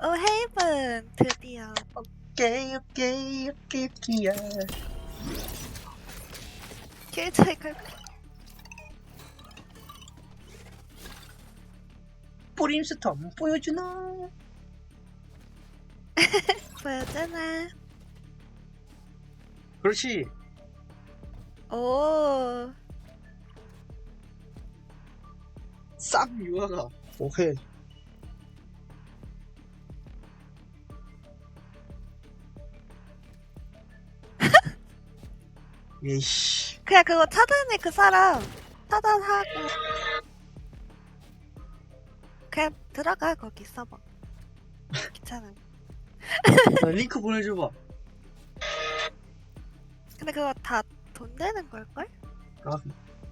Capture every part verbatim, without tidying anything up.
오, 헤이븐 드디어. 오케이 오케이 오케이 오케이야. 킬 차이 갈 뿌림스톰 보여주나? 보여주나? 그렇지. 오, 싹 유아가. 오케이. 예씨. 그냥 그거 차단해, 그 사람. 차단하고. 그냥 들어가, 거기 서버. 귀찮아. 링크 보내줘봐. 근데 그거 다 돈 되는 걸걸? 아,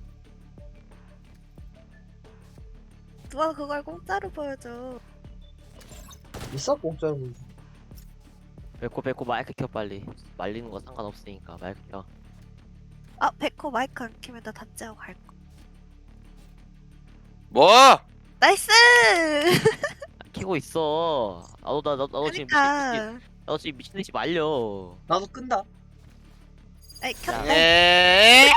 누가 그걸 공짜로 보여줘. 있어 공짜로 보여줘. 배꼽 배꼽 마이크 켜 빨리. 말리는 거 상관없으니까 마이크 켜. 아, 백호 마이크 안 키면 나 단지하고 갈 거. 뭐? 나이스! 키고 있어. 나도 나, 나, 나도 지금 미친 듯이 그니까. 나도 지금 미친 듯이 말려. 나도 끈다. 아이, 켰다. 에이!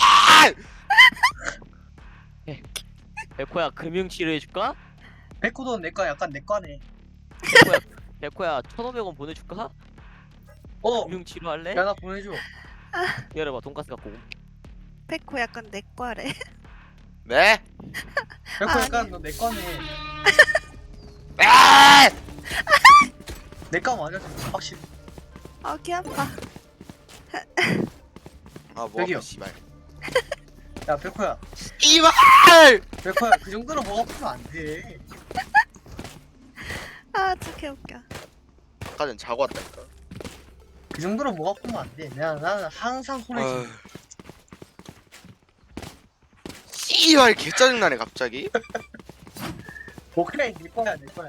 백호야 금융 치료해 줄까? 백호도 내거 약간 내 거네. 백호야 백호야 천오백 원 보내줄까? 어. 금융 치료할래? 야 나 보내줘. 기다려봐 돈가스 갖고 옴. 백호 약간 내 거래. 네? 백호 아니. 약간 너 내 거네. 아! 내거 맞아 진짜 확실히. 아, 귀 아파. 아, 뭐 여기요. 아파, 씨발. 야 백호야. 이발! 백호야 그 정도로 목 아프면 안 돼. 아, 진짜 웃겨. 아까 전 자고 왔다니까. 그 정도로 목 아프면 안 돼. 내가 나는 항상 소리 어휴. 지 씨발 개 짜증나네 갑자기. 오케이 내 거야 내 거야.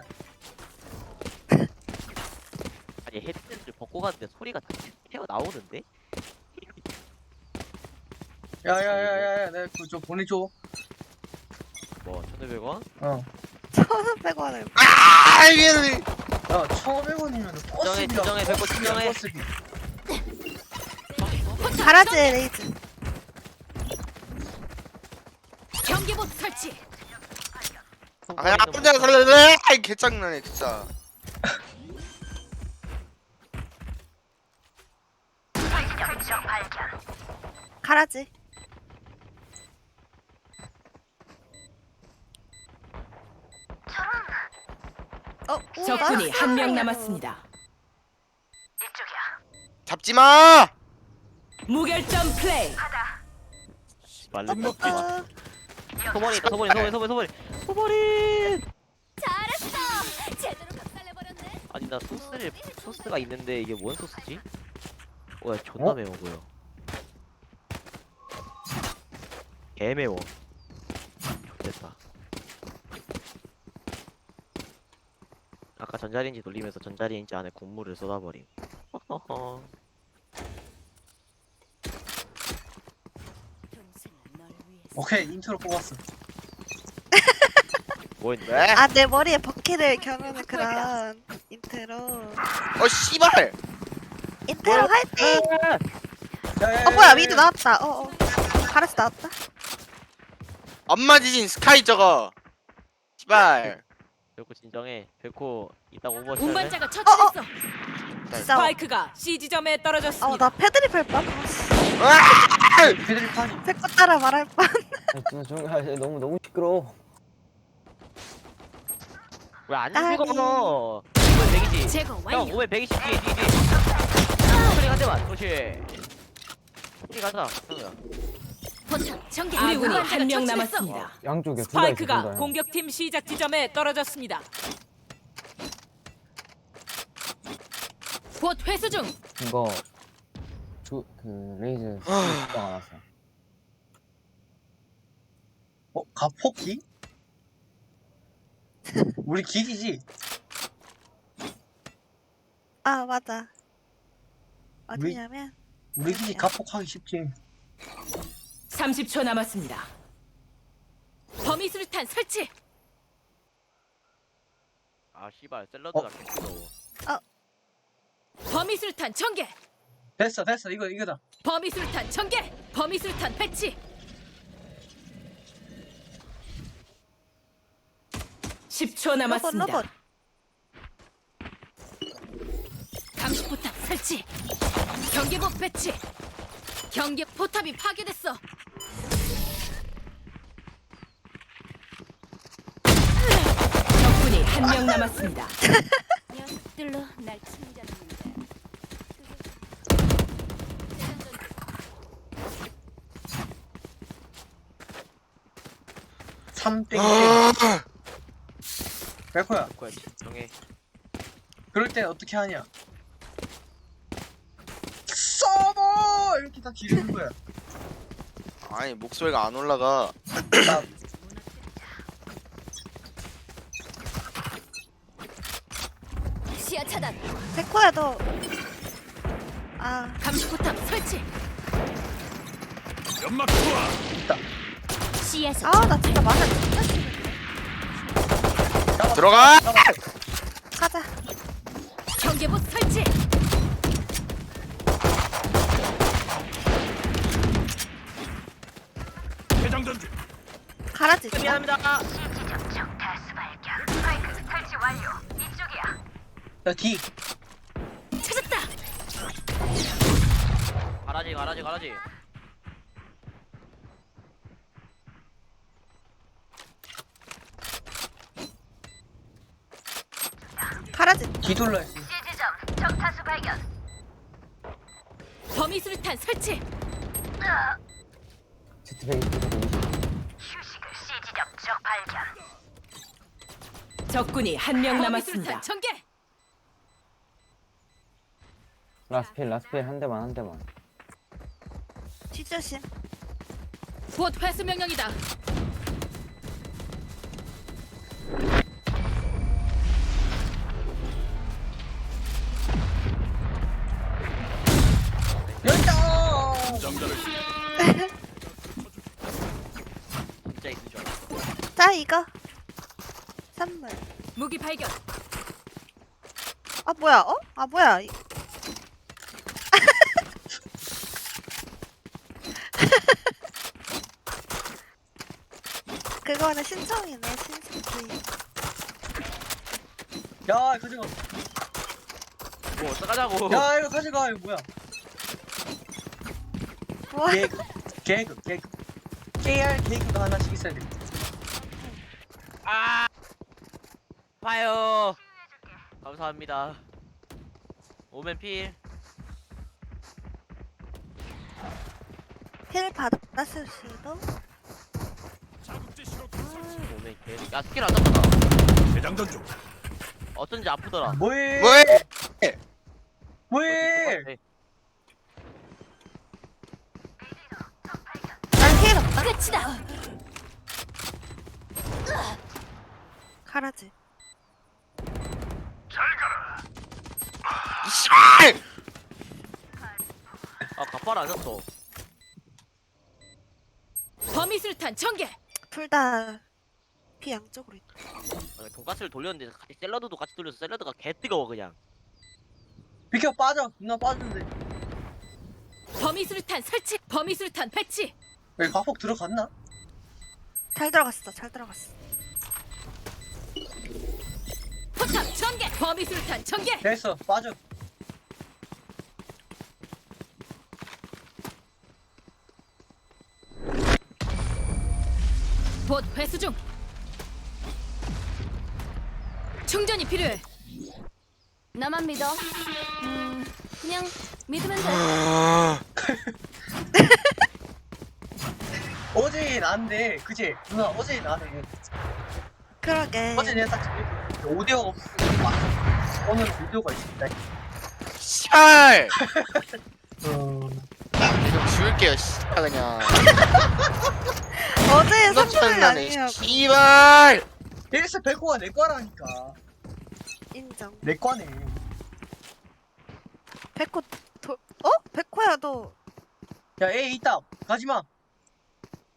아니 헤드셋을 벗고 갔는데 소리가 다 튀어 나오는데? 야야야야야 내가 그거 좀 보내줘. 뭐 천오백 원? 어. 천오백 원을. 아 이게 야 천오백 원이면 버스비야. 진정해, 백호 진정해. 버스비. 가라지, 레이즈. 경계봇 설치. 아 그냥 혼자 살래. 아이 개 짜증나네 진짜. 가라지. 어, 오, 적군이 나이스. 한 명 남았습니다. 잡지 마. 무결점 플레이. 말린 먹지 마. 어, 소머리 있다 소머리 소머리 소머리 소머리 소머리. 잘했어. 제대로 박살내버렸네. 아니 나 소스를 소스가 있는데 이게 뭔 소스지? 어야 존나 어? 매워 보여. 개 매워. 됐다. 아까 전자레인지 돌리면서 전자레인지 안에 국물을 쏟아버림. 허허허. 오케이 인트로 뽑았어. 뭐 했는데? 왜? 아, 내 머리에 버킷을 겨누는 그런 인트로. 어 씨발. 인트로 화이팅! 야야야. 어, 뭐야, 미드 나왔다. 어, 어. 가라지 나왔다. 안 맞으신 스카이 저거. 씨발. 백호 진정해. 백호 이따 오버워치 할래? 운반자가 처치됐어. 진짜. 스파이크가 C 지점에 어, 떨어졌습니다. 나 패드립 할 뻔. 아! 패드립 타니. 백호 따라 말할 뻔. 아, 좀, 아, 너무 너무 시끄러워. 왜안 까비. 죽어? 오백 백이지. 제거 형 완료. 오백 백이십 뒤에 뒤에 뒤에. 소리 한 대만. 그렇지. 소리 가자. 형이야. 포탑 전개. 우리 군이 한 명 남았습니다. 양쪽에 스파이크가 둘다 공격팀 시작 지점에 떨어졌습니다. 곧 회수 중. 이거 주, 그 레이즈 아. 수가 안 왔어. 어 가포기? 우리 기기지. 아, 맞아. 어디냐면. 우리 기기 가폭하기 쉽지. 삼십 초 남았습니다. 범위 수류탄 설치. 아 씨발 샐러드가 개뜨거워. 범위술탄 전개. 됐어 됐어 이거 이거다. 범위술탄 전개. 범위술탄 배치. 십 초 로봇 남았습니다. 로봇. 감시포탑 설치. 경계복 배치. 경계 포탑이 파괴됐어. 적군이 한 명 남았습니다. 녀석들로 날 침략했는데. 삼 땡. 아, 백호야. 뭐야 진정해. 그럴 때 어떻게 하냐? 서버 이렇게 다 기르는 거야. 아니 목소리가 안 올라가. 나 시야 차단. 백호야 너. 아 감시포탑 설치. 연막 투하. 시야에서 아 나 진짜 맞아 진짜 싫은데. 잡아, 들어가! 잡아. 가자. 경계복 설치. 대장 전주. 가라지. 있어? 미안합니다. 야 D. 찾았다. 가라지 가라지 가라지. 가라지. D 돌려 했어. 범위술탄 설치. 제트백이 뚫고 적군이 한 명 남았습니다. 전개. 라스필 라스필 한 대만 한 대만. 뒤조심. 곧 회수 명령이다. 열정. 정답을 진짜 있는 줄 알았어. 자 이거. 선물. 무기 발견. 아 뭐야? 어? 아 뭐야? 이- 그거는 신청이네 신청. 야 가져가. 뭐 어떡하자고. 야 이거 가져가 이거 뭐야? 뭐? 개그 개그 개그. 케이알 개그가 하나씩 있어야 돼. 아 봐요. 감사합니다. 오멘 필. 힐 받았을 수도. 자국제 신호 오멘 개. 야 스킬 안 잡았다. 대장 전주. 어쩐지 아프더라. 뭐해? 뭐해? 뭐해? 난힐 없다. 끝이다. 가라지. 이씨발! 아 갑발 안 샀어. 범위술탄 전개. 둘 다 피 양쪽으로 있다. 아니, 돈가스를 돌렸는데 같이 샐러드도 같이 돌려서 샐러드가 개 뜨거워 그냥. 비켜 빠져. 누나 빠졌는데. 범위술탄 설치. 범위술탄 배치. 왜 과폭 들어갔나? 잘 들어갔어. 잘 들어갔어. 포탑 전개. 범위술탄 전개. 됐어 빠져. 봇 회수 중. 충전이 필요해. 나만 믿어. 음, 그냥 믿으면 돼. 아, 어제 나는데 그지? 누나 어제 나네. 그러게. 어제 내가 딱 저기 오디오가 없으니까 오늘 오디오가 있습니다. 씨발! 어... 좀 지울게요, 씨발 그냥. 어제의 이거 선물이 장난해, 아니냐고. 씨발! 이래서 백호가 내 거라니까. 인정. 내 거네. 백호 도 어? 백호야 너. 야, A 있다. 가지마.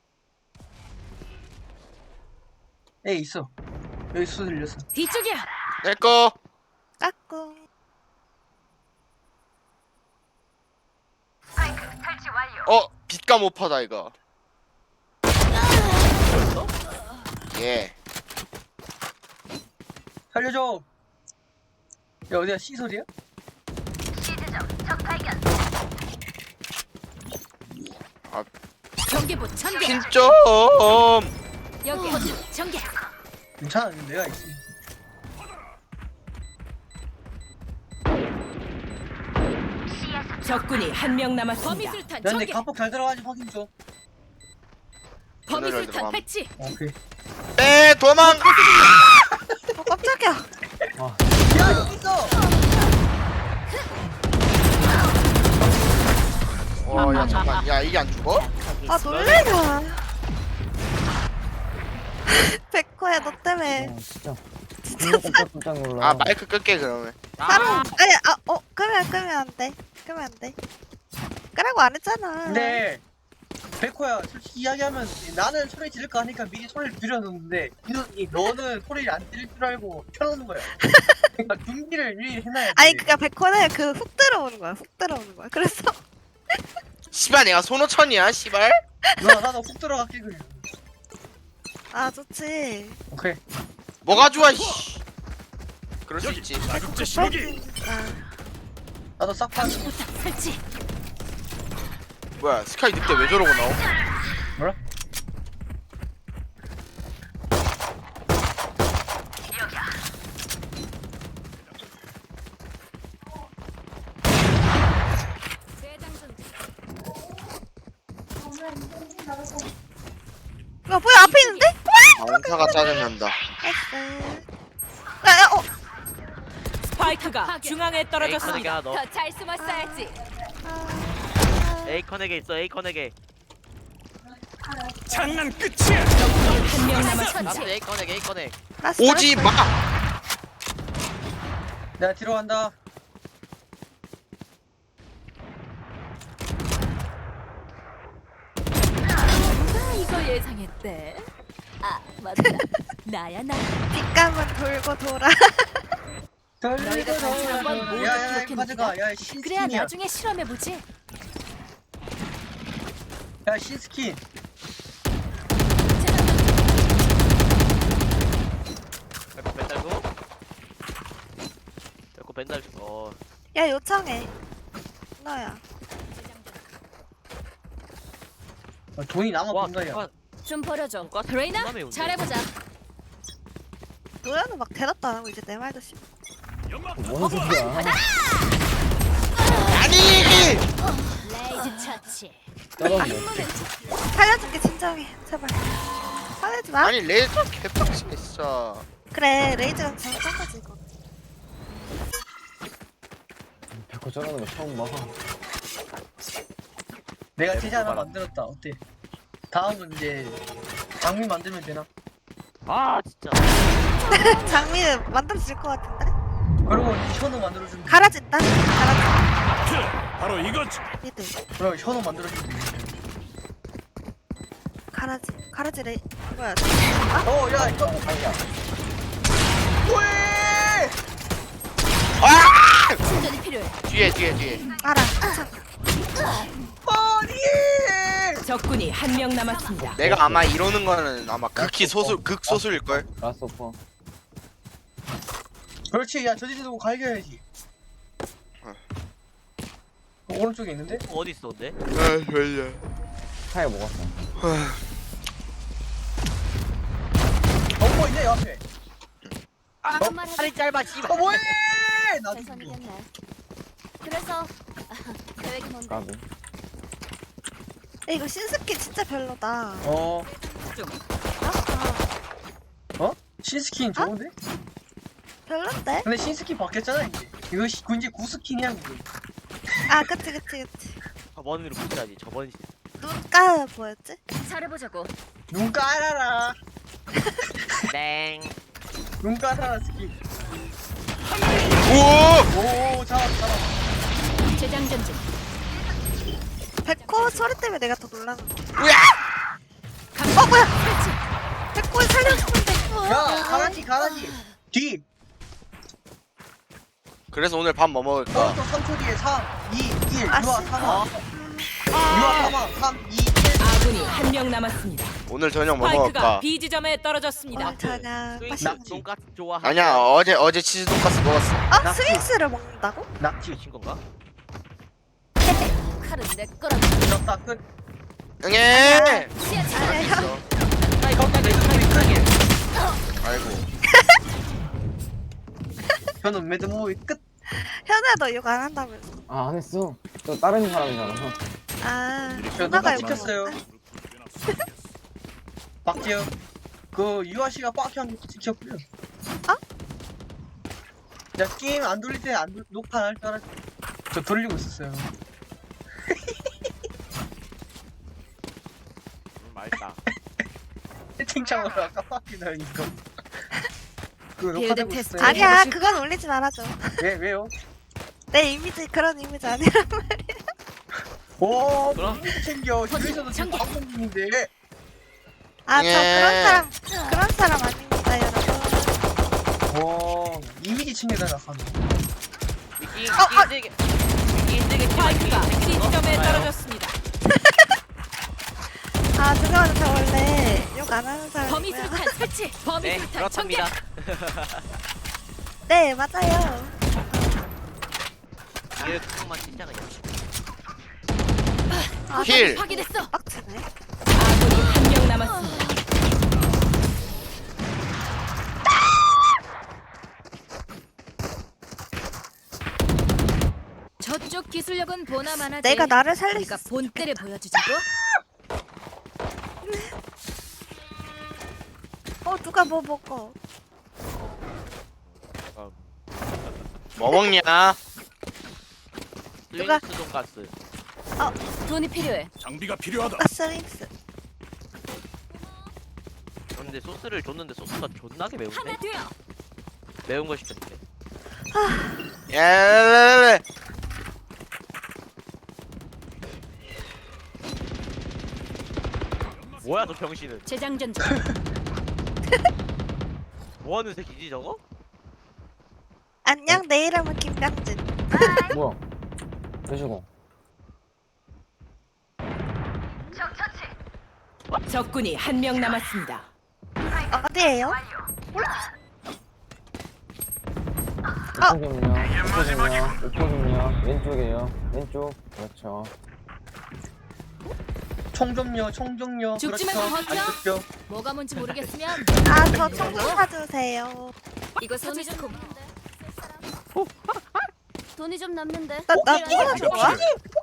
A 있어. 여기 수 들렸어. 뒤쪽이야. 내꺼. 까꿍. 어 빛감 오퍼다 이거. 예. 살려줘. 야 어디야 C 소리야? 경계부 전개. 핀점. 여기 포탑 전개. 괜찮아 내가 있어. 적군이 한 명 남았습니다. 범위술탄 야 근데 전개. 갑폭 잘 들어가지 확인 좀. 범위술탄 들어감. 배치. 오케이. 빼 도망. 어 깜짝이야. 야 여기 있어. 와야 잠깐. 야 이게 안 죽어? 아 놀래라. 백호야 너 때문에 어, 진짜. 진짜 깜짝깜짝 놀라. 아 마이크 끌게 그러면. 사람 아니 아어 끄면 끄면 안 돼. 끄면 안 돼. 끄라고 안 했잖아. 근데 백호야 솔직히 이야기하면 나는 소리 지를까 하니까 미리 소리를 줄여놓는데 이- 이 너는 소리를 안 들릴 줄 알고 켜놓는 거야. 그러니까 준비를 미리 해놔야지. 아니 그니까 백호는 그 훅 들어오는 거야. 훅 들어오는 거야. 그래서 씨발 내가 손오천이야 씨발. 누나 나도 훅 들어갈게 그냥. 아 좋지. 오케이. 뭐가 좋아 씨. 그럴 수 여기 있지. 자극제 신호기. 그러니까. 나도 싹 파. 포탑 설치. 뭐야 스카이 늑대 왜 저러고 나오? 뭐라? 야 뭐야 앞에 있는데? 안타가 짜증난다. 나이스. 야야 어. 스파이크가 중앙에 에이컨에게 떨어졌습니다. 하나 넣어. 더 잘 숨었어야지. 에이컨에게 있어 에이컨에게. 장난 끝이야. 한 명 라스 남았습니다. 에이컨에게 에이컨에. 나이스, 오지 나이스. 마. 내가 뒤로 간다. 나 이거 예상했대. 아 맞다. 나야 나. 뒷감은 돌고 돌아. 너희가 단체 한번 모두 야야야 이거 기억해놓기다. 가져가. 야 그래야 신스킨이야. 나중에 실험해 보지. 야 신스킨. 백호 벤달고. 백호 벤달 주. 어. 야 요청해. 너야. 아, 돈이 남아 와 본다야. 누가 좀 버려줘. 누가 레이나 존나 매운데. 잘해보자. 노래는 막 대답도 안 하고 이제 내 말도 씹. 연막. 뭔 소리야? 아니. 레이즈 처치. 떨어져. 살려줄게 진정해. 제발. 화내지 마. 아니 레이저 개빡치네 진짜. 그래 레이즈가 잘못한 거지 이거. 백호 저러는 거 처음 봐. 내가 제재 하나 봐라. 만들었다. 어때? 다음은 이제 장미 만들면 되나? 아 진짜. 장미는 만들어질 것 같은데? 그리고 현우 만들어주면 돼. 갈아진다? 갈아진다. 바로 이거지. 니들. 그럼 현우 만들어주면 돼. 갈아지. 갈아지 레이. 뭐야. 어, 야, 이거 아니야. 왜? 아! 충전이 필요해. 뒤에 뒤에 뒤에. 알아. 참. 적군이 한 명 남았습니다. 내가 아마 이러는 거는 아마 극히 소수 극소수일 걸. 라스 오퍼. 그렇지. 야, 저지지 두고 갈겨야지. 어. 어, 오른쪽에 있는데? 어디 있어 근데? 아 졸려. 차에 먹었어. 어, 뭐 있네, 옆에. 무슨 말 하지? 팔이 짧아 씨발. 어, 뭐해! 나 대선이겠네. 그래서 계획이 뭔데? 까비. 야, 이거 신스킨 진짜 별로다. 어, 아, 신스킨 좋은데? 별론데? 근데 신스킨 바뀌었잖아, 이제. 이거 시, 이제 구스킨이야, 그게. 아 그치 그치 그치. 저번으로 붙여야지 저번. 눈가 뭐였지? 잘해보자고. 눈 깔아라. 땡. 눈 깔아라, 스킨. 오! 오, 잡았다, 잡았다. 재장전 중. 백호 소리 때문에 내가 더 놀라는 거야. 뭐야? 어 뭐야? 설치. 백호를 살려주는데. 야, 가라지, 가라지. 뒤. 그래서 오늘 밥 뭐 먹을까? 오른쪽 삼 초 뒤에 삼, 이, 일. 아, 유아 씨. 사망. 유아 아, 사망. 삼, 이, 일. 아군이 한 명 남았습니다. 오늘 저녁 뭐 스파이크가 먹을까? B 지점에 떨어졌습니다. 오늘 저녁 스윙스 맛있는 돈까스 좋아. 아니야 어제 어제 치즈 돈까스 먹었어. 아 스윙스를 먹는다고? 낙지. 친 건가? 칼은 내 거라. 이렇다 끝. 응애. 시야 차. 아니야 아이 거기까지 타이밍 크게. 아이고. 저는 매드무비 끝. 현우야 욕 안 한다면서. 아, 안 했어. 또 다른 사람이잖아. 아 저 누나가 누가 욕 찍혔어요. 박재영. 그 유아 씨가 빡형 찍혔고요. 어? 야 게임 안 돌릴 때 안 녹화 안 할 줄 알았지. 저 돌리고 있었어요. 음, 맛있다. 채팅창으로 아까 빡이다 이거. 그 빌드 녹화되고 테스트. 있어요. 아니야 그건 올리지 말아줘. 왜 왜요? 내 이미지 그런 이미지 아니라. 오, 그럼? 뭐 챙겨. 거짓, 집에서도 지금 전개. 방송 중인데. 아 저 예. 그런 사람 그런 사람 아닙니다 여러분. 오, 이미지 챙겨달라 하는. 위기 어, 어. 위기 위기 스파이크가 B 지점에 떨어졌습니다. 아 죄송한데 저 원래 욕 안 하는 범위 사람이고요. 술탄 설치. 범위 네 술탄 전개. 그렇답니다. 네 맞아요. 이게 그것만 진짜 그냥. 아 힐. 확인했어. 빡치네. 아군이 한 명 남았습니다. 저쪽 기술력은 보나마나. 내가 나를 살릴 우리가 수 본때를 보여주자고. 어 누가 뭐 먹어? 뭐 먹냐? 누가- 스윙스 돈까스. 돈이 필요해. 장비가 필요하다. 가스링스. 근데 소스를 줬는데 소스가 존나게 매운데? 하나 돼요. 매운 거 시켰는데. 예. 뭐야 저 병신은? 재장전 중. 뭐하는 새끼지 저거? 안녕 내 이름은 김병진. 뭐야? 왜시고? 적군이 한 명 남았습니다. 어디에요? 오포좀요. 오포좀요. 오포좀요. 왼쪽이에요. 왼쪽. 그렇죠. 총 좀요, 총 좀요. 죽지 그렇죠. 말고 버텨. 안 죽죠. 뭐가 뭔지 모르겠으면 아 저 총 좀 사주세요. 이거 돈이 좀 돈이 좀 남는데. 나 나 누가 줄 거야?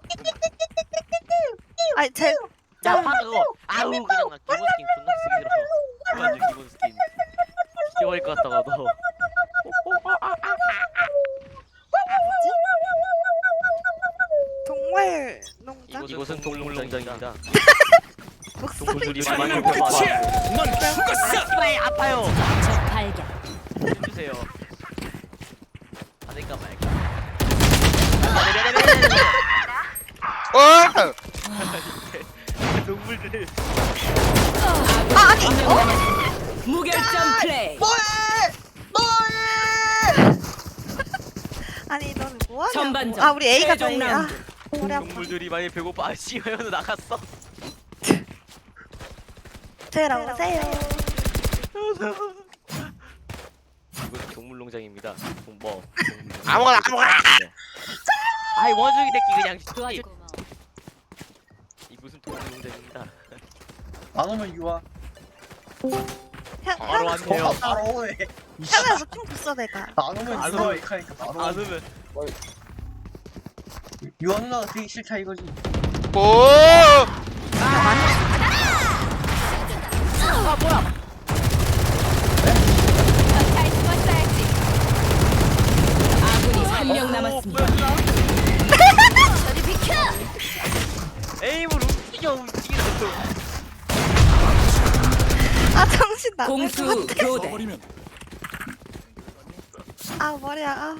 아니 제 야 파 그거 아우 그냥 나 기본 스킨 존나 쓰기 싫어. 완전 기본 스킨. 잊어버릴 것 같다가 너. 동물 농장? 이곳은 동물농장입니다. 목소리 동물들이 좀- 많이 끝이야. 먹어봐. 넌 죽었어. 아파요 아파요. 적 발견. 해주세요. 받을까 말까. 어! 동물들. 아 아니 어? 무결점 플레이. 아니 너는 뭐하냐고. 전반전 아 우리 A가 최종 저희야. 라운드. 머리 아파. 동물들이 많이 배고파. 아씨 현우 나갔어. 저희랑 오세요. 이곳은 동물농장입니다. 뭐 아무거나, 아무거나! 아이 원숭이 새끼 그냥 도와줄. 이곳은 동물농장입니다. 안 오면 유아. 현 바로 현우 왔네요. 바로 오네. 현우야 너총 줬어 내가. 안 오면 안 유아 오면- 이카니까 바로 안 오네. 오면 유아 누나가 되게 싫다 이거지. 오! 아 뭐야? 잘 숨었어야지. 아군이 한 명 남았습니다. 저리 비켜. 에임을 움직여 움직이는 아 정신 나갈 것 공수 같아. 교대. 버리면 아 머리야. 아.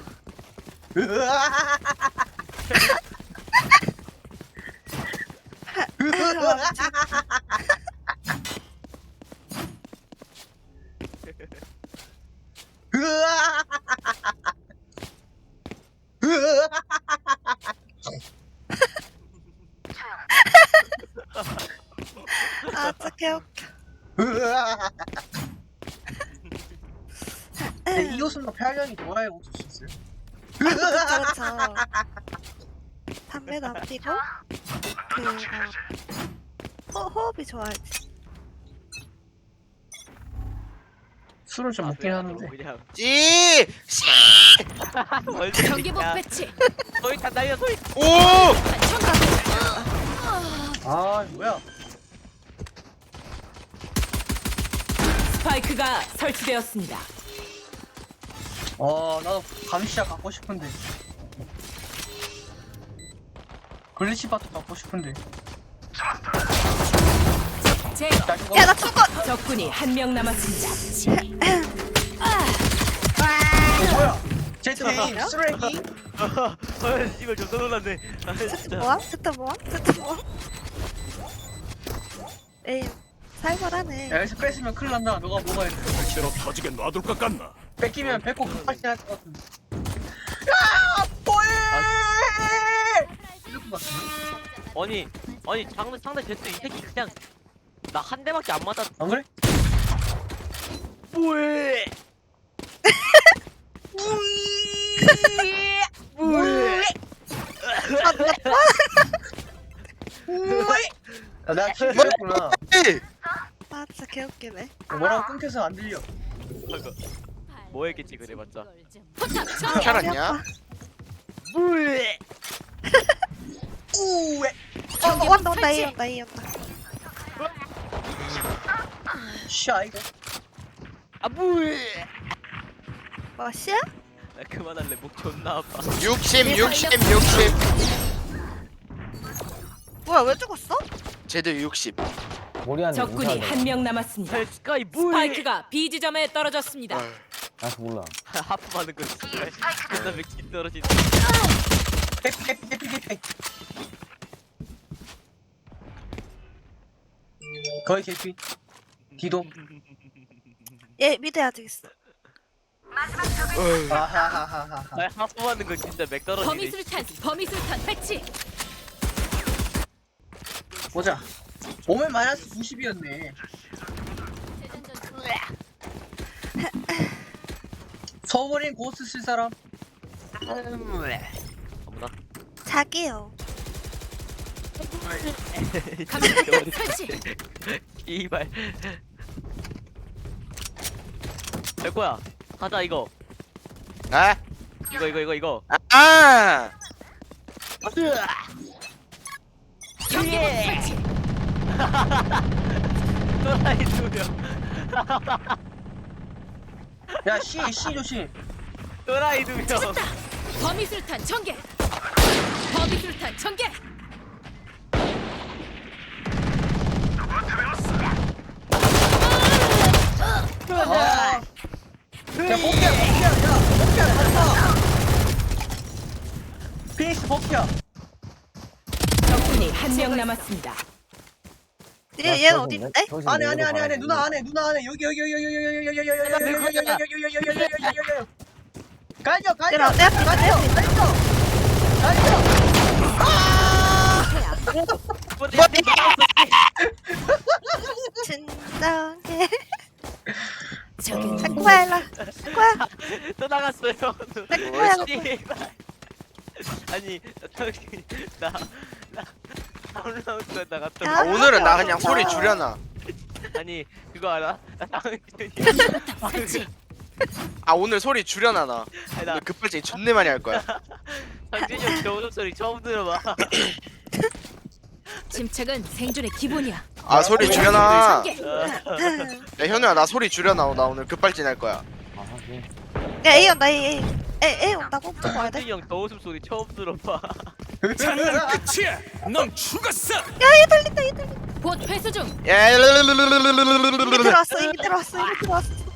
아 진짜 개웃겨. 근데 이 옷은 폐활량이 좋아야 어쩔 수 있어요. 그렇죠 그렇죠. 담배도 안 피고 그뭐 호, 호흡이 좋아야지. 술을 좀 먹긴 하는데. 그냥 찌! 경계복 배치. 소리 다 날려 소리. 오! 아 뭐야? 스파이크가 설치되었습니다. 아 나도 감시자 갖고 싶은데. 글리치 바트 갖고 싶은데. 제 나 이거 야나 죽어. 적군이 한 명 남았습니다. 어, 뭐야? 제 테임 쓰레기? 아 씨발 좀 놀랐네. 아 세트 진짜. 뭐함? 세트 뭐함? 세트 뭐함? 에이 살벌하네. 야 여기서 뺏으면 큰일 난다. 너가 먹어야 돼. 대로 터지게 놔둘 것 같나? 뺏기면 뺏고 급발진 할것 같은데. 야! 뭐해! 이럴 것 같은데? 아니 아니 상대 상대 제트 이 새끼 그냥 나 한 대밖에 안 맞았. 안 그래? 뭐해? 야, 내가 킬 들렸구나. 찌! 아 진짜 개웃기네. 뭐라고 끊겨서 안 들려. 뭐 했겠지 그래봤자. 포탑 전 잘 왔냐? 뭐해? 우에. 어 온다 온다 이 온다 이 온다. 샤 이거. 아 뭐해? 뭐 씨야? 나 그만할래 목 존나 아파. 육십, 육십, 육십. 뭐야 왜 죽었어? 쟤들 육십. 머리 안에 적군이 한 명 남았습니다. 스카이 뭐해? 스파이크가 B 지점에 떨어졌습니다. 어휴. 나도 몰라. 하프 많은 거 씨발. 존나 맥힌 떨어진. 해피 해피 해피 해피. 거의 개피. 기도. 얘 미드 아직 있어. 아하하하하. 아 하프 많은 거 진짜 맥 떨어지네. 범위술탄 범위술탄 배치. 보자. 오면 마이너스 구십이었네. 서버린 고스 쓸 사람? 어머나. 자기요. 감시포탑 설치. 이발. 될 거야. 가자 이거. 아? 이거 이거 이거 이거. 아! 경계복 설치. 또라이 두 명. 야, C, C 조심. 또라이 두 명. 찾았다. 범위술탄 전개. 범위술탄 전개. 아. 야, 복귀야, 복귀야, 야, 복귀야, 간다. 피닉스 복귀야. 적군이 한 명 남았습니다. 얘 얘는 어디 있대? 안에, 안에, 안에, 안에, 누나 안에, 누나 안에, 여기, 여기, 여기, 여기, 여기, 여기, 여기, 여기, 여기, 여기, 여기, 여기, 여기, 여기, 여기, 여기, 여기, 여기. 갈겨, 갈겨, 얘들아 내 앞에 있다 내 앞에 있다. 갈겨. 진정해. 저기 체코야 일로. 체코야. 또 나갔어요. 체코야. 씨발. 아니 당신 나나 다운라운드 나갔다. 야. 아, 오늘은 나 그냥 소리 줄여놔. 아니 그거 알아? 나 당신이 범위술탄 설치. 아, 오늘 소리 줄여놔, 나. 아니 나 오늘 급발진 존내 많이 할 거야. 당신이 형 겨우 소리 처음 들어봐. 침착은 생존의 기본이야. 아, 소리 줄여놔. 전개. 야, 현우야, 나 소리 줄여놔. 나 오늘 급발진 할 거야. 아 하긴. 야 A 온다 A A. A A 온다고 무조건 와야 돼. 당신이 형 겨우숨 소리 처음 들어봐. 장난 끝이야. 넌 죽었어. 야얘 들린다 얘 들린다. 곧 회수 중. 야, 이미 들어왔어 이미 들어왔어 이미 들어왔어.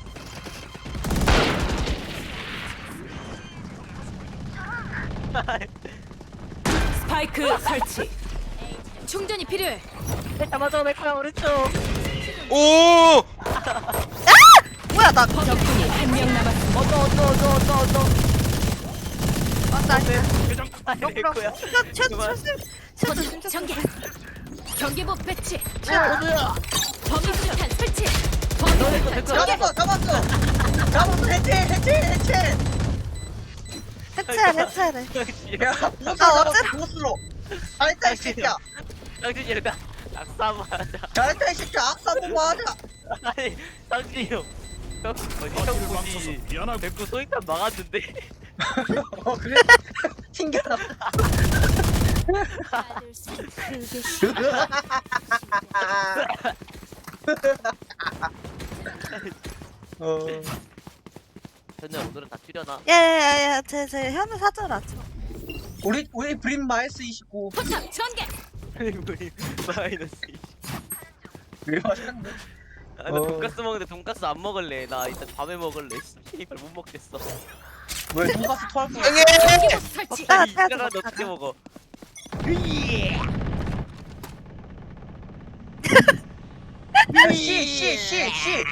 스파이크 설치. 충전이 필요해. 맞아 내 거야 오른쪽. 오! 뭐야 나 적군이 한 명 남았습니다. 어떠 어떠 어떠 어떠 어떠. 대장 레코야. 그만. 셔츠 진짜 전개. 경계복 배치. 어디야? 범위 수류탄 설치. 너 이거 대코. 잡았어 잡았어 잡았어 해체 해체 해체 해체해 해체해. 야 아, 보스로 어째- 잡았어 보스로 잘했다 이 새끼야 당신 이러다 악사 맞아. 잘했다 이 새끼야 악사 보고 하자 아니 당신이 형. 형 어디 형 거짓을 보지. 망쳐서 미안하고 대코 소인탄 막았는데. 어 그래? 튕겨라 어 현우 오늘은 다 줄여놔. 야야야야 제제 현우 사줘라. 저. 우리 우리 브림 마이너스 이십구 포탑 전개. 우리 마이너스. 왜 맞았네 아, 나 어. 돈까스 먹는데 돈까스 안 먹을래. 나 이따 밤에 먹을래. 씨발 못 먹겠어. 왜 돈가스 토할 거야 형님! 경계복 설치. 먹다가 이따가 빼야지 너 어떻게 먹다가. 먹어? 씨씨씨씨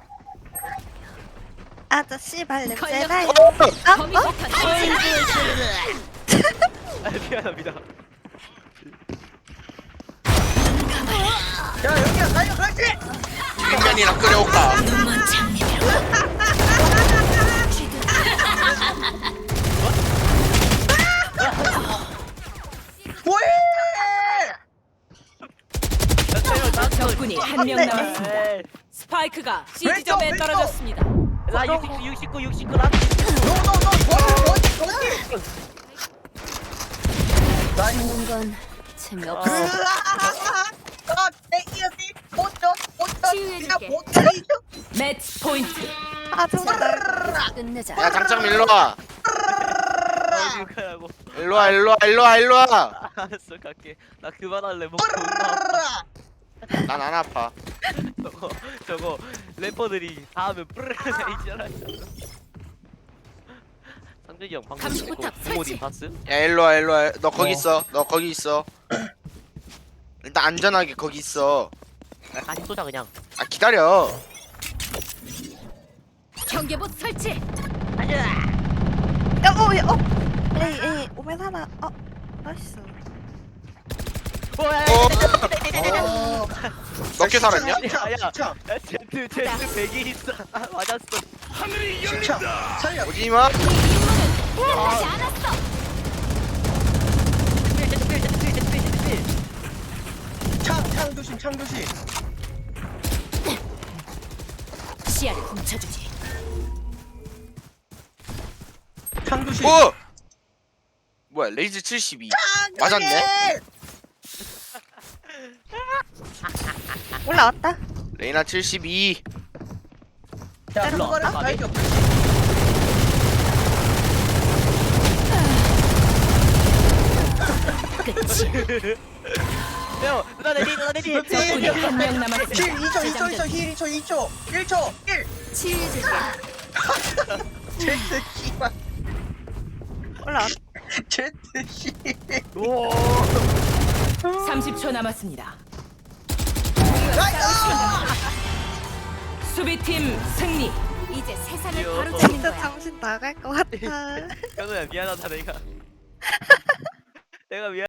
아저씨 발 냄새 걸렸어. 나요. 범위 어? 어? 수류탄 설치. 아 미안합니다. 야 여기야 달려 그렇지 냉면이랑 끓여올까? 눈먼 장면. 뭐해 적군이 한 명 네. 남았습니다. 에이, 스파이크가 C 왼쪽, 지점에 왼쪽. 떨어졌습니다. 나 육십구 육십구 육십구 나. 너너너 뭐지 뭐지 나 이거 죽는 건 재미없어. 아 대기업이 못줘 못줘 치유해줄게. 그냥 못쳐 매치 포인트. 아 정말. 끝내자. 야 장점 일로와 가라고. 일로와 일로와 일로와 일로와 알았어 갈게. 나 그만할래. 목 존나 아파. 난 안 아파 저거 저거 래퍼들이 다 하면 뿌르르 있잖아. 상준이 형 방금 감시포탑 부모님 설치. 봤음? 야 일로와 일로와 너 거기 어. 있어 너 거기 있어 일단 안전하게 거기 있어 나 다시 쏘자 그냥. 아 기다려 경계복 설치. 야, 어, 야, 어. 에이, 에이, 오면 하나. 어, 나이스. 어? 어 몇 개 살았냐? 야, 야. 진짜 야 제트 제트 백이 있어. 맞았어. 하늘이 진짜 열린다. 살려 오지마 하지 않았어. 제트 제트 제트 제트 제트. 창창 조심 창 조심 시야를 훔쳐주지. 창 조심 오! 뭐야 레이즈 칠십이 맞았네 올라왔다. 레이나 칠십이 야 일로 와. 그거는 아, 발견 끝이. 형 누나 내리 누나 내리. 적군이 한 명 남았습니다. 힐 이 초 이 초 이 초 힐 이 초 이 초 일 초 일 치유해줄게. 제트 씨발 올라왔다. 제트 씨 오. 삼십 초 남았습니다. 수비팀 승리. 이제 세상을 귀여워. 바로 잡는 진짜 거야. 정신 나갈 것 같아. 현우야 미안하다 내가. 내가 미안.